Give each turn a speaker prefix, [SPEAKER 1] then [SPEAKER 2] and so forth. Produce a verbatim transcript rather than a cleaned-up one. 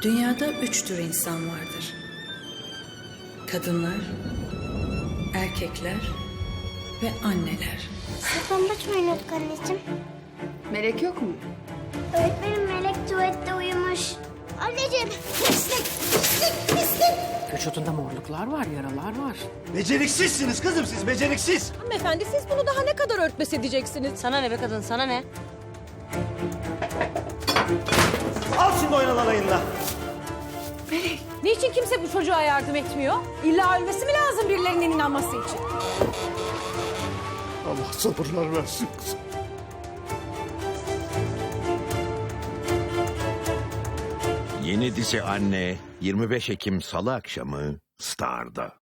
[SPEAKER 1] Dünyada üç tür insan vardır. Kadınlar, erkekler ve anneler.
[SPEAKER 2] Saklambaç mı oynuyorduk anneciğim?
[SPEAKER 3] Melek yok mu?
[SPEAKER 2] Öğretmenim Melek tuvalette uyumuş. Anneciğim pislik pislik pislik.
[SPEAKER 3] Vücudunda morluklar var, yaralar var.
[SPEAKER 4] Beceriksizsiniz kızım siz, beceriksiz.
[SPEAKER 5] Hanımefendi siz bunu daha ne kadar örtbas edeceksiniz?
[SPEAKER 6] Sana ne be kadın, sana ne?
[SPEAKER 4] Al şimdi oynan alayınla.
[SPEAKER 5] Niçin kimse bu çocuğa yardım etmiyor? İlla ölmesi mi lazım birilerinin inanması için?
[SPEAKER 7] Allah sabırlar versin kızım.
[SPEAKER 8] Yeni dizi Anne yirmi beş Ekim Salı akşamı Star'da.